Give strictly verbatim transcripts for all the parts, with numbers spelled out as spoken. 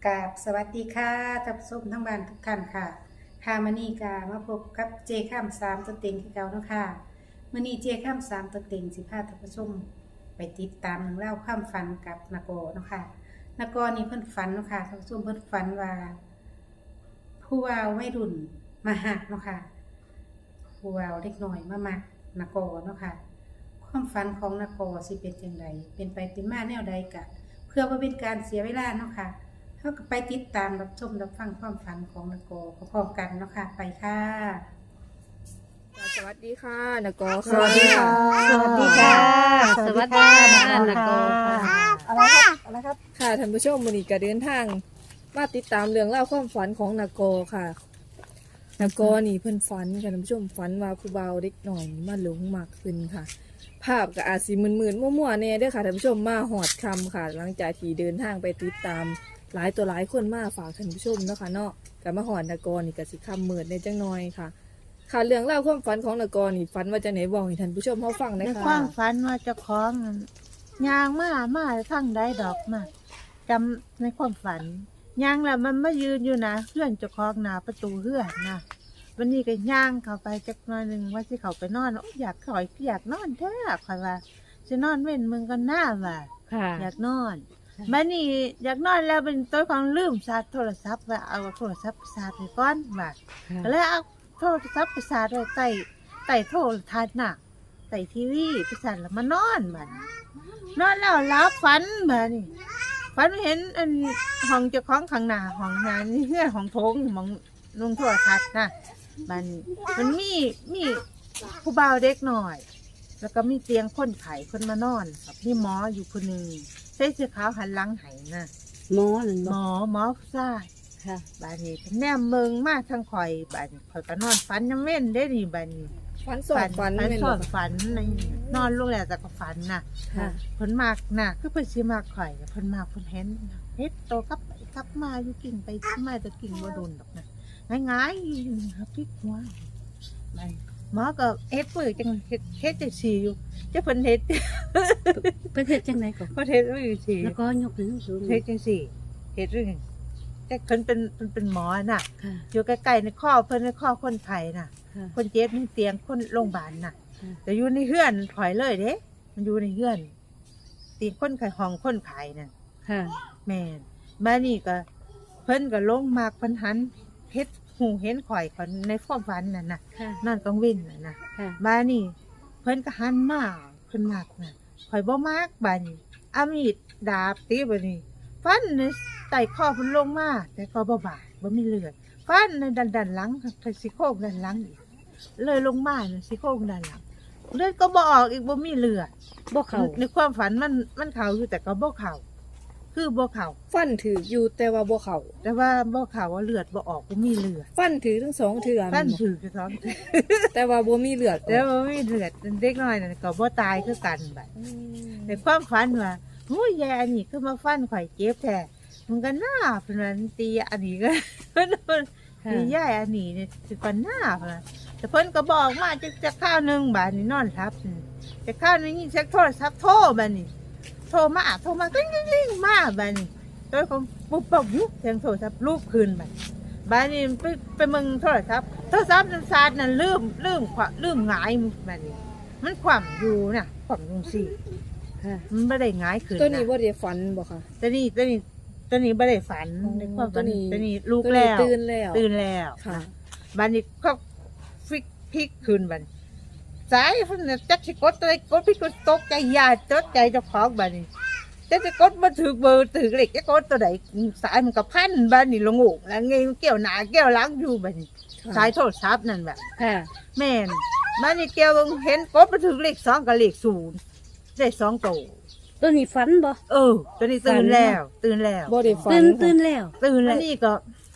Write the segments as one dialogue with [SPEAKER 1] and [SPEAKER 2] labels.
[SPEAKER 1] กราบสวัสดีค่ะท่านผู้ชมทั้งบ้านทุกท่านค่ะค่ะมื้อนี้ก็มาพบกับเจข้ามสามตัวเต็งคือเก่าเนาะค่ะมื้อนี้เจข้ามสามตัวเต็งสิพาท่านผู้ชมไปติดตามเรื่องเล่าวความฝันกับนโกเนาะค่ะนโกนี่เพิ่นฝันเนาะค่ะท่านผู้ชมเพิ่นฝันว่าผู้ว่าวัยรุ่นมาหักเนาะค่ะผู้ว่าเล็กน้อยมามักนโกเนาะค่ะความฝันของนโกสิเป็นจังไดเป็นไปเป็นมาแนวใดกะเพื่อบ่เป็นการเสียเวลาเนาะค่ะเขาก็ไปติดตามรับชมรับฟังความฝันของนโกพร้อมๆกันเนาะค่ะไปค่ะ
[SPEAKER 2] สวัสดีค่ะนกอ
[SPEAKER 1] สวัสดีค่ะ
[SPEAKER 3] สวัสดีค่ะ
[SPEAKER 1] สวัสดีค่ะ
[SPEAKER 3] นโกค่ะ
[SPEAKER 1] อะไรครับอะไรครับ
[SPEAKER 2] ค่ะท่านผู้ชมวันนี้ก็เดินทางมาติดตามเรื่องเล่าวความฝันของนกอค่ะนกอนี่เพิ่นฝันค่ะท่านผู้ชมฝันว่าผู้บ่าวเด็กหน่อยมาหลงมากขึ้นค่ะ ภาพก็อาจสิมึนๆมั่วๆแน่เด้อค่ะท่านผู้ชมมาหอดคำค่ะ หลังจากที่เดินทางไปติดตามหลายตัวหลายคนมาฝากท่านผู้ชมเนาะค่ะเนาะก็มาหอดนกอนี่ก็สิคำมืดในจังน้อยค่ะ ค่ะเรื่องเล่าวความฝันของนกอนี่ฝันว่าจะไหนบอกให้ท่านผู้ชมเขาฟังห
[SPEAKER 3] ใน
[SPEAKER 2] นะคะ
[SPEAKER 3] ความฝันว่าเจ้าของนั่นยางมามาทั้งได้ดอกมาจำในความฝันยางแล้วมันมายืนอยู่นะเพื่อนเจ้าของหน้าประตูเพื่อนนะวันนี้ก็ย่างเข้าไปจักหน่อยหนึ่งว่าสิเขาไปนอนโอ้ยอยากข่อยอยากนอนแท้ข่อยว่าจะนอนเว้นมึงก็น่าว่า
[SPEAKER 1] ค่ะ
[SPEAKER 3] อยากนอนบัดนี้อยากนอนแล้วเป็นตัวของลืมชาร์จโทรศัพท์ว่าเอาโทรศัพท์ไปชาร์จไปก่อนว่าก็เลยเอาโทรศัพท์ไปชาร์จไว้ใต้ใต้โทรทัศน์น่ะใต้ทีวีไปชาร์จแล้วมานอนบัดนี้นอนแล้วหลับฝันบัดนี้ฝันเห็นอันห้องเจ้าของข้างหน้าห้องงานนี่เฮือนห้องโถงมองลงโทรทัศน์น่ะบัดนี้มันมีมีผู้บ่าวเด็กหน่อย แล้วก็มีเตียงคนไข้คนมานอนกับมีหมออยู่คนหนึ่งใส่เสื้อขาวหันหลังไห้น่ะ
[SPEAKER 1] หมอนั่น
[SPEAKER 3] หม
[SPEAKER 1] บ่
[SPEAKER 3] อหมอผู้ชาย
[SPEAKER 1] ค่ะ
[SPEAKER 3] บาดนี้เพิ่นแนมเมืองมาทางข่อยบาดนี้ข่อยก็นอนฝันยังเว้นได้นี่บาดนี้
[SPEAKER 2] ฝันสอนฝัน
[SPEAKER 3] ฝัน
[SPEAKER 2] แม่น
[SPEAKER 3] ส
[SPEAKER 2] บ่
[SPEAKER 3] อน
[SPEAKER 2] คะ
[SPEAKER 3] ฝันในนอนลงแล้วแต่ก็ฝันน่ะ
[SPEAKER 2] ค่ะ
[SPEAKER 3] เพิ่นมากน่ะคือเพิ่นสิมากข่อยเพิ่นมากเพิ่นเห็นเฮ็ดโตกลับไปกลับมาอยู่กิ่งไปมาแต่กิ่งบ่โดนดอกนะง่ายๆครับพลิกหัวบาดนี้หมอก็เฮ็ดปื้อจังเฮ็ดเฮ็ดจังซี่อยู่จะเพิ่นเฮ็ด
[SPEAKER 1] เพิ่นเฮ็ดจังไดก่อน
[SPEAKER 3] เพิ่นเฮ็ดอยู่ซี่
[SPEAKER 1] แล้วก็ยกขึ้นสูง
[SPEAKER 3] เฮ็ดจังซี่เฮ็ดเรื่องแต่เพิ่นเป็นเพิ่นเป็นหมอน่ะ
[SPEAKER 1] ค่ะ
[SPEAKER 3] อยู่ใกล้ๆในข้อเพิ่นในข้อคนไข้น่ะ
[SPEAKER 1] ค่ะ
[SPEAKER 3] คนเจ็บในเตียงคนโรงพยาบาลน่ะ
[SPEAKER 1] ค่ะ
[SPEAKER 3] แต่อยู่ในเฮือนถอยเลยเด้มันอยู่ในเฮือนเตียงคนไข้ห้องคนไข้น่ะ
[SPEAKER 1] ค่ะ
[SPEAKER 3] แม่นมานี่ก็เพิ่นก็ลงมากเพิ่นหันเฮ็ดหูเห็นข่อยคนในความฝันนั่นน่ะ
[SPEAKER 1] ค่ะ
[SPEAKER 3] นอนกลางวินน่ะนะ
[SPEAKER 1] ค่ะ
[SPEAKER 3] มานี่ เพิ่นก็หันมาเพิ่นมักน่ะข่อยบ่มักบาดนี้เอามีดดาบตีบัดนี้ ฟันในไต่คอเพิ่นลงมาแต่ก็บ่บาดบ่มีเลือดฟันในดันดันหลังทางซี่โครงด้านหลังอีกเลยลงมาน่ะซี่โครงด้านหลังเลือดก็บ่ออกอีกบ่มีเลือด
[SPEAKER 1] บ่เข้า
[SPEAKER 3] ในความฝันมันมันเข้าอยู่แต่ก็บ่เข้าคือบ่เข้า
[SPEAKER 2] ฟันถืออยู่แต่ว่าบ่เข้า
[SPEAKER 3] แต่ว่าบ่เข้าว่าเลือดบ่ออกบ่มีเลือด
[SPEAKER 2] ฟันถือทั้งสองเถื่อ
[SPEAKER 3] ฟัน
[SPEAKER 2] แม่นบ่
[SPEAKER 3] ถือคือท้อง
[SPEAKER 2] แต่ว่าบ่มีเลือด
[SPEAKER 3] แต่ว่าบ่มีเลือดเด็กน้อยนั่นก็บ่ตายคือกันบัด
[SPEAKER 2] อืม
[SPEAKER 3] ในความฝันว่าโอ้ยยายอันนี้คือมาฟันข่อยเจ็บแท้มันก็น่าเพิ่นว่าตีอันนี้ก็ เพิ่นเพิ่น
[SPEAKER 1] ค่ะ
[SPEAKER 3] ตียายอันนี้เนี่ยสิปันหน้าเพิ่นว่าแต่เพิ่นก็บอกมาจะจะข้าวหนึงบาดนี้นอนทับจะข้าวหนึงนี่เช็คโทรศัพท์โทรบาดนี้โทรมาโทรมากิ้งกิ้งกิ้งมาบาดนี้ตัวของปุ๊บปุ๊บยุบเสียงโทรศัพท์รูปคืนบาดบาดนี้ไปไปมึงโทรศัพท์โทรศัพท์น้ำซาดนั่นลืมลืมขวาลืมหงายบาดนี้ มันคว่ำอยู่น่ะคว่ำลงสิ
[SPEAKER 1] ค่ะ
[SPEAKER 3] มันไม่ได้หงายขึ้น
[SPEAKER 2] ตัวนี้
[SPEAKER 3] นะ
[SPEAKER 2] บ่ได้ฝันบ่ค่ะ
[SPEAKER 3] ตัวนี้ตัวนี้ตัวนี้ไม่ได้ฝัน
[SPEAKER 2] อ๋อ
[SPEAKER 3] ในความฝัน
[SPEAKER 2] ตัวนี้
[SPEAKER 3] ตัวนี้ลูก
[SPEAKER 2] ตัว
[SPEAKER 3] แล้ว
[SPEAKER 2] ตื่นแล้ว
[SPEAKER 3] ตื่นแล้ว
[SPEAKER 2] ค่ะ
[SPEAKER 3] บันนี้ก็พลิกพลิกคืนบัดนสายเพิ่นน่ะจักสิกดตัวใดกดพลิกกดตกใจยาตกใจเจ้าของบัดนี้แต่จะกดมาถือเบอร์ถือเลขจะกดตัวใดสายมันก็พันบัดนี้ลงอกแล้วไงมันเกี่ยวหน้าเกี่ยวหลังอยู่บัดนี้
[SPEAKER 2] ค่ะ
[SPEAKER 3] สายโทรศัพท์นั่นแบบ
[SPEAKER 1] ค่ะ
[SPEAKER 3] แม่นบัดนี้เกี่ยวเบิ่งเห็นกดมาถือเลขสองกับเลขศูนย์ได้สองตัว
[SPEAKER 1] ตัวนี้ฝันบ่
[SPEAKER 3] เออตัวนี้ตื่นแล้ว ตื่นแล้ว
[SPEAKER 2] บ่ได้ฝัน
[SPEAKER 1] ตื่นตื่นแล้ว
[SPEAKER 3] ตื่นแล้วนี่ก็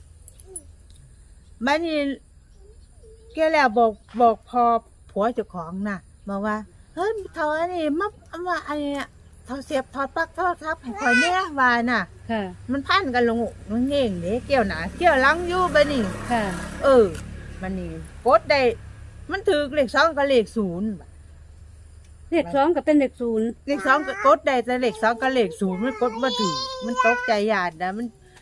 [SPEAKER 3] มันนี่แกแล้วบอกบอกพอผัวเจ้าของน่ะบอกว่าเฮ้ยเท่าอันนี้มามาอันนี้เท่าเสียบถอดปลั๊กโทรศัพท์ให้ข่อยแน่ว่าน่ะ
[SPEAKER 1] ค่ะ
[SPEAKER 3] มันพันกันลงอกมันเง่งเด้เกี่ยวหนาเกี่ยวหลังอยู่บัดนี้
[SPEAKER 1] ค่ะ
[SPEAKER 3] เออมันนี่กดได้ มันถือเลขสองกับเลขศูนย์
[SPEAKER 1] เลขสองก็เป็นเลขศูนย์
[SPEAKER 3] เลขสองก็กดได้แต่เลขสองกับเลขศูนย์มันกดมาถือมันตกใจหยาดนะมัน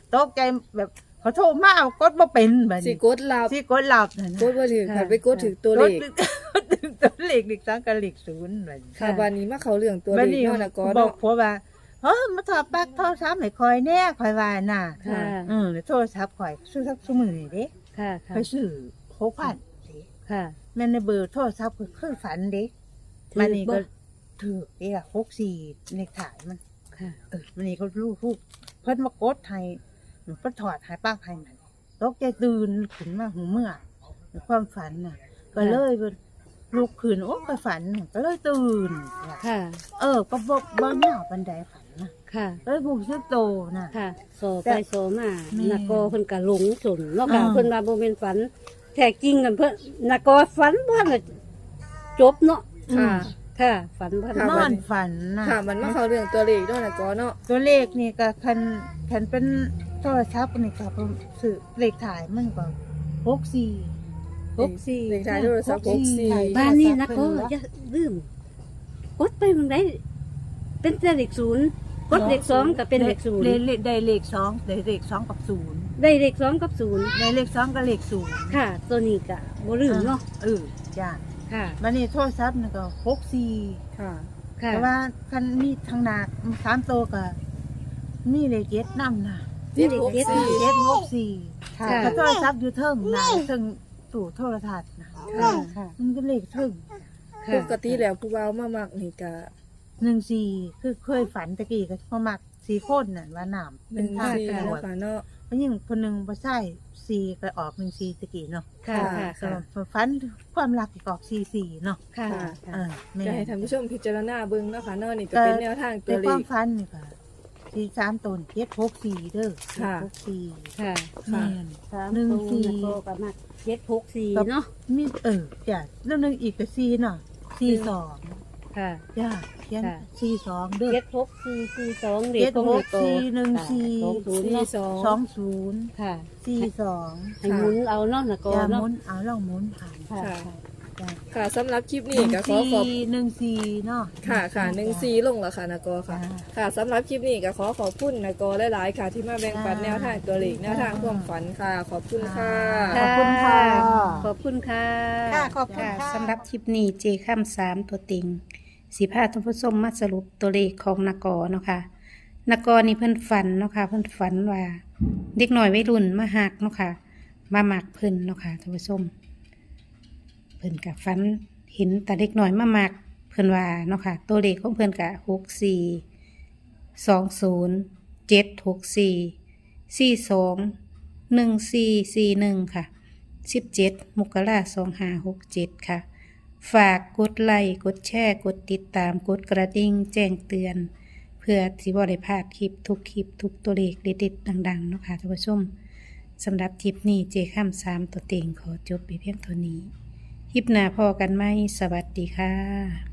[SPEAKER 3] ตกใจแบบเขาโทรมาเอากดบ่เป็นบัด
[SPEAKER 2] สิ
[SPEAKER 3] นี้
[SPEAKER 2] กดลับ
[SPEAKER 3] สิกดหลับนั่น
[SPEAKER 2] กดบ่ถึงค่ะไปกดถึงตัวเลข
[SPEAKER 3] กดถึงตัวเลขอีกสังกับเลขศูนย์บัดนี้
[SPEAKER 2] ค่ะบัดนี้มาเข้าเรื่องตัวเล
[SPEAKER 3] บัด
[SPEAKER 2] ข
[SPEAKER 3] นี้
[SPEAKER 2] เนาะนะก็
[SPEAKER 3] บอ
[SPEAKER 2] เนาะ
[SPEAKER 3] กผัวว่าเฮ้ยมาถอดปลั๊กโทรศัพท์ให้คอยแน่คอยว่าน่ะ
[SPEAKER 4] ค่ะ
[SPEAKER 3] เออโทรศัพท์ข่อยซื้อสักชั่วโมงนี่เด้
[SPEAKER 4] ค่ะค่ะ
[SPEAKER 3] ไปซื้อหกพันเด้
[SPEAKER 4] ค่ะ
[SPEAKER 3] แม่นในเบอร์โทรศัพท์ก็คือฝันเด้
[SPEAKER 4] ถือ
[SPEAKER 3] มันนี่
[SPEAKER 4] บ่
[SPEAKER 3] ก็ถือเด้ล่ะหกสี่เลขถ่ายมัน
[SPEAKER 4] ค่ะ
[SPEAKER 3] เออมันนี่ก็รู้รูปเพิ่นมากดให้เพิ่นถอดหายปลั๊กให้มันตกใจตื่นขึ้นมาหูเมื่อในความฝันน่ะ ก็เลยเพิ่นลุกขึ้นโอ้ก็ฝันก็เลยตื่นว่ะ
[SPEAKER 4] ค่ะ
[SPEAKER 3] เออ ก็บ่บ่ยาวปานใดฝันนะ
[SPEAKER 4] ค่ะ
[SPEAKER 3] เอ้ยผู้ซื้อโตน่ะ
[SPEAKER 4] ค่ะโซ
[SPEAKER 3] แต่
[SPEAKER 4] ไปโซมา
[SPEAKER 3] แม่
[SPEAKER 4] นักกอเพิ่นก็หลงสนเนาะค่ะ
[SPEAKER 3] อ่า
[SPEAKER 4] เพิ่นว่าบ่แม่นฝันแท้จริงกันเพิ่นนักกอฝันบ่น่ะจบเนาะ
[SPEAKER 2] ค่ะ
[SPEAKER 4] ค่ะ ฝันบ่
[SPEAKER 2] ค่ะ
[SPEAKER 3] นอนฝันน่ะ
[SPEAKER 2] ค่ะมันมาเข้าเรื่องตัวเลขเนาะนะก็เนาะ
[SPEAKER 3] ตัวเลขนี่ก็คันคันเป็นโทรศัพท์นี่ก็เพิ่นซื้อเลขถ่ายมันก็หกสี่
[SPEAKER 4] หกสี่
[SPEAKER 2] เลขท้ายโทรศัพท์หกสี่
[SPEAKER 4] บ้านนี้นักกออย่าลืมกดไปเมืองใดเป็นแต่เลขศูนย์กดเลขสองก็เป็นเลขศูนย์
[SPEAKER 3] ได้เลขได้เลขสองได้เลขสองกับศูนย์
[SPEAKER 4] ได้เลขสองกับศูนย์
[SPEAKER 3] ได้เลขสองกับเลขศูนย์
[SPEAKER 4] ค่ะ ตัวนี้ก็บ่ลืมเนาะ
[SPEAKER 3] เออจ้า
[SPEAKER 4] ค่ะ
[SPEAKER 3] บัดนี้โทรศัพท์นี่ก็หกสี่
[SPEAKER 2] ค่ะ
[SPEAKER 4] ค่ะ
[SPEAKER 3] แต่ว่าคันมีทางหนาสามโตวก็มีเลขเจ็ดนำน่ะ
[SPEAKER 2] เจ็ดหกสี่
[SPEAKER 3] เจ็ดหกสี่
[SPEAKER 4] ค่ะ
[SPEAKER 3] แล้วโทรศัพท์อยู่เทิงน่ะเทิงตู้โทรทัศน์น่ะ
[SPEAKER 4] ค่ะค่ะ
[SPEAKER 3] มันก็เลขเทิง
[SPEAKER 2] ปกติแล้วผู้เว้ามามักนี่ก็
[SPEAKER 3] หนึ่งสี่คือเคยฝันตะกี้ก็พอมักสี่คนน่ะว่าน้ำ
[SPEAKER 2] ห
[SPEAKER 3] เป็น
[SPEAKER 2] นึ่ง
[SPEAKER 3] ท่า
[SPEAKER 2] สี่
[SPEAKER 3] ตำรวจ
[SPEAKER 2] เนาะค่ะเนาะ
[SPEAKER 3] เพราะยิ่งคนหนึ่งบ่ใช่สี่ก็ออกหนึ่งสี่ตะกี้เนาะ
[SPEAKER 4] ค่ะ ค่ะ
[SPEAKER 3] สำห
[SPEAKER 4] ค่ะ
[SPEAKER 3] รับฝันความรักก็ออกสี่สี่เนาะ
[SPEAKER 4] ค่ะ
[SPEAKER 3] เออแม่
[SPEAKER 2] จะให้ท่านผู้ชมพิจารณาเบิ่งเนาะค่ะเนาะนี่ก็
[SPEAKER 3] ก็
[SPEAKER 2] เป็นแนวทางตั
[SPEAKER 3] ใน
[SPEAKER 2] วเล
[SPEAKER 3] ความ
[SPEAKER 2] ข
[SPEAKER 3] ฝันนี่ก็สี่สามตนเจ็ดหกสี่เด้อ
[SPEAKER 2] ค่ะ
[SPEAKER 3] เจ็ดหกสี่
[SPEAKER 4] ค่ะ
[SPEAKER 3] แม่น ห
[SPEAKER 4] ห
[SPEAKER 3] นึ่
[SPEAKER 4] นึ่
[SPEAKER 3] ง
[SPEAKER 4] ง
[SPEAKER 3] สี่
[SPEAKER 4] สี่ก็ประมาณเจ็ดหกสี่
[SPEAKER 3] ครับ
[SPEAKER 4] เนาะ
[SPEAKER 3] มีเออจ้ะแล้วหนึงอีกก็สี่เนาะสี่สอง
[SPEAKER 4] ค่ะ
[SPEAKER 3] จ้ะเขียน
[SPEAKER 4] ค่ะ
[SPEAKER 3] สี่สองเด้อ
[SPEAKER 4] เจ็ดหกสี่สี่สองเด็
[SPEAKER 3] เจ็
[SPEAKER 4] ก
[SPEAKER 3] ด
[SPEAKER 4] ของ
[SPEAKER 3] ห
[SPEAKER 4] เด็
[SPEAKER 3] ก
[SPEAKER 4] กโต
[SPEAKER 3] สี่หนึ่งสี่
[SPEAKER 4] สองศูนย์
[SPEAKER 2] สี่
[SPEAKER 4] เนาะ
[SPEAKER 2] สอง
[SPEAKER 3] สองศูนย์
[SPEAKER 4] ค่ะ
[SPEAKER 3] สี่สอง
[SPEAKER 4] ให้หมุนเอาเนาะนะก็
[SPEAKER 3] อย่าห
[SPEAKER 4] เนาะ
[SPEAKER 3] มุนเอาลองหมุนผ่าน
[SPEAKER 4] ค่ะ
[SPEAKER 2] ค่ะ
[SPEAKER 3] จ้ะ
[SPEAKER 2] ค่ะสำหรับคลิปนี้ก็ขอขอบ
[SPEAKER 3] หนึ่งสี่เนาะ
[SPEAKER 2] ค่ะค่ะหนึ่งซีลงแล้วค่ะนากอค่ะ
[SPEAKER 3] จ้า
[SPEAKER 2] ค่ะสำหรับคลิปนี้ก็ขอขอบคุณนากอหลายๆค่ะ ที่มาแบ่งปัน
[SPEAKER 3] จ้า
[SPEAKER 2] แนวทางตัวเลขแนวทางความฝันค่ะ ขอบคุณค่ะ
[SPEAKER 3] ขอบคุณค่ะ
[SPEAKER 4] ขอบคุณค่ะ
[SPEAKER 1] ค่ะขอบคุณค่ะสำหรับคลิปนี้เจข้ามสามตัวติงสีผ้าท่านผู้ชมมาสรุปตัวเลขของนากอเนาะค่ะนากอนี่เพิ่นฝันเนาะค่ะเพิ่นฝันว่าเด็กหน่อยวัยรุ่นมาหักเนาะค่ะมาหมักเพิ่นเนาะค่ะท่านผู้ชมเพิ่นกับฝันเห็นแต่เด็กหน่อยมาหมักเพิ่นว่าเนาะค่ะตัวเลขของเพิ่นกะหกสี่สองศูนย์เจ็ดหกสี่สี่สองหนึ่งสี่สี่หนึ่งค่ะสิบเจ็ดมกราสองห้าหกเจ็ดค่ะ ฝากกดไลค์กดแชร์กดติดตามกดกระดิ่งแจ้งเตือน เพื่อที่บ่ได้พลาดคลิปทุกคลิปทุกตัวเลขเด็ดๆดังๆเนาะค่ะท่านผู้ชมสำหรับคลิปนี้เจข้ามสามตัวเต็งขอจบไปเพียงเท่านี้คลิปหน้าพอกันไหมสวัสดีค่ะ